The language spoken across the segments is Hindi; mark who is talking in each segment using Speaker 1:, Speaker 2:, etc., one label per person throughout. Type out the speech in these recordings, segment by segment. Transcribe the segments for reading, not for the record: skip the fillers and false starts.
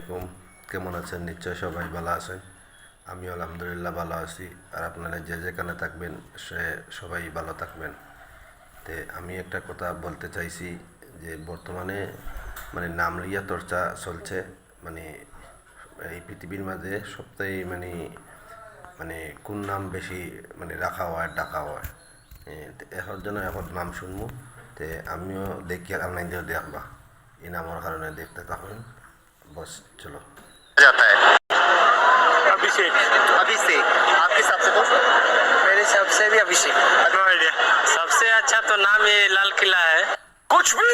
Speaker 1: আলাইকুম। কেমন আছেন? নিশ্চয় সবাই ভালো আছেন। আমি আলহামদুলিল্লাহ ভালো আছি। আর আপনারা যে যেখানে থাকবেন সবাই ভালো থাকবেন। আমি একটা কথা বলতে চাইছি যে বর্তমানে নাম লিয়া চর্চা চলছে। মানে এই পৃথিবীর মাঝে সবথেকে মানে কোন নাম বেশি রাখা হয় ডাকা হয়। এখন জন্য এখন নাম শুনবো। আমিও দেখি আর নাই দেখবা এই নামের কারণে দেখতে থাকুন। बस चलो
Speaker 2: जाता है अभिषेक। अभिषेक आपके हिसाब से दोस्त?
Speaker 3: मेरे हिसाब से भी अभिषेक।
Speaker 2: No idea.
Speaker 3: सबसे अच्छा तो नाम ये लाल किला है।
Speaker 2: कुछ भी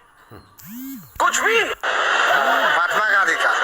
Speaker 2: महात्मा गांधी का।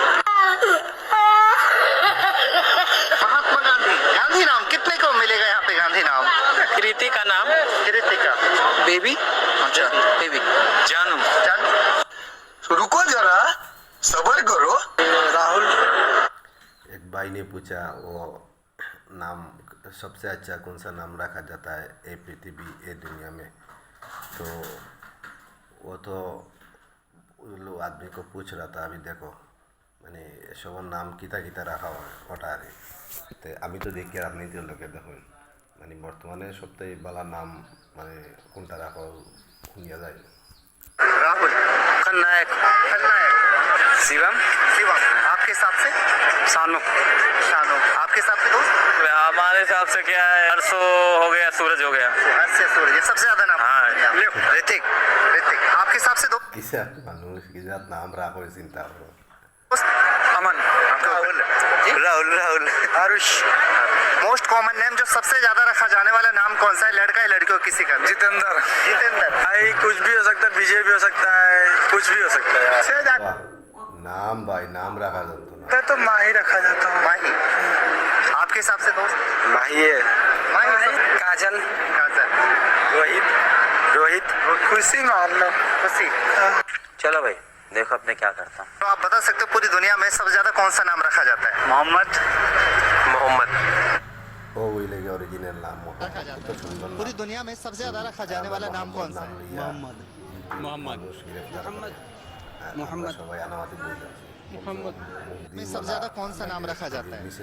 Speaker 2: महात्मा गांधी। गांधी नाम कितने को मिलेगा यहाँ पे? गांधी नाम
Speaker 3: कृति का नाम
Speaker 2: कृतिका।
Speaker 3: बेबी।
Speaker 2: अच्छा
Speaker 3: बेबी जानू।
Speaker 2: जान रुको जरा सबर करो।
Speaker 3: राहुल।
Speaker 1: एक भाई ने पूछा वो नाम सबसे अच्छा कौन सा नाम रखा जाता है ये पृथ्वी ये दुनिया में। तो वो तो लोग आदमी को पूछ रहा था। अभी देखो सब नाम किता किता रखा हुआ है ওটারে। আমি তো দেখি আর আপনি তো লোকে দেখুন বর্তমানে সবথেকে ভালো নাম কোনটা রাখা শুনিয়া যায়।
Speaker 2: राहुल
Speaker 3: खलनायक।
Speaker 2: खलनायक।
Speaker 3: शिवम।
Speaker 2: शिवम आपके हिसाब से?
Speaker 3: सानू।
Speaker 2: शानू आपके हिसाब से दोस्त?
Speaker 3: हमारे हिसाब से क्या है, अर्सो हो गया, सूरज हो गया।
Speaker 2: से सूरज ये सबसे ज्यादा नाम।
Speaker 3: हाँ।
Speaker 2: ऋतिक। ऋतिक आपके हिसाब से दोस्त?
Speaker 1: কিসে মানুষ কিসে নাম রাখা হয়ে চিন্তা করো।
Speaker 3: Aman.
Speaker 2: Rahul.
Speaker 3: Rahul. Rahul.
Speaker 2: Aarush. Most common name जो सबसे ज्यादा रखा जाने वाला नाम कौन सा है? लड़का या लड़की हो किसी का?
Speaker 3: जितेंद्र।
Speaker 2: जितेंद्र।
Speaker 3: भाई कुछ भी हो सकता है, विजय भी हो सकता है, कुछ भी हो सकता है।
Speaker 1: বাহ, নাম ভাই नाम रखा जाता ना।
Speaker 3: तो माही रखा जाता है।
Speaker 2: माही आपके हिसाब से दोस्त?
Speaker 3: माही है।
Speaker 2: माही
Speaker 3: काजल।
Speaker 2: काजल।
Speaker 3: रोहित। रोहित। खुशी मान लो।
Speaker 2: खुशी।
Speaker 3: चलो भाई देखो अब मैं क्या करता हूँ।
Speaker 2: तो आप बता सकते हो पूरी दुनिया में सबसे ज्यादा कौन सा नाम रखा जाता है?
Speaker 3: मोहम्मद। मोहम्मद।
Speaker 1: ओ वही लगे ओरिजिनल नाम
Speaker 2: रखा जाता
Speaker 1: तो सुंदर नाम।
Speaker 2: पूरी दुनिया में सबसे ज्यादा रखा जाने वाला नाम कौन सा है?
Speaker 1: मोहम्मद।
Speaker 3: मोहम्मद।
Speaker 1: मोहम्मद সবাই আনামাতি বলে
Speaker 3: मोहम्मद।
Speaker 2: में सबसे ज्यादा कौन सा नाम रखा जाता है?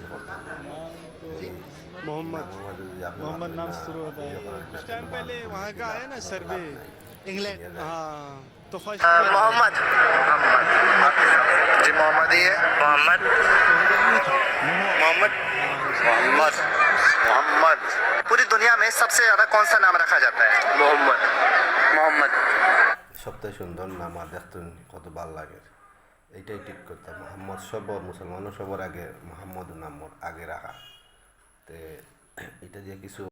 Speaker 3: मोहम्मद। मोहम्मद नाम शुरू होता है।
Speaker 1: कुछ
Speaker 3: टाइम पहले वहाँ का आया ना सर्वे।
Speaker 2: इंग्लैंड।
Speaker 3: हाँ तो फर्स्ट
Speaker 2: मोहम्मद। जी मोहम्मद ही है।
Speaker 3: मोहम्मद। मोहम्मद।
Speaker 2: मोहम्मद। मोहम्मद पूरी दुनिया में सबसे ज्यादा कौन सा नाम रखा जाता है?
Speaker 3: मोहम्मद। मोहम्मद।
Speaker 1: সবথেকে সুন্দর নাম আর দেখতেন কত ভালো লাগে। এইটাই ঠিক করতাম মোহাম্মদ সবর মুসলমানও সবার আগে মোহাম্মদ নাম আগে রাখা। এটা দিয়ে কিছু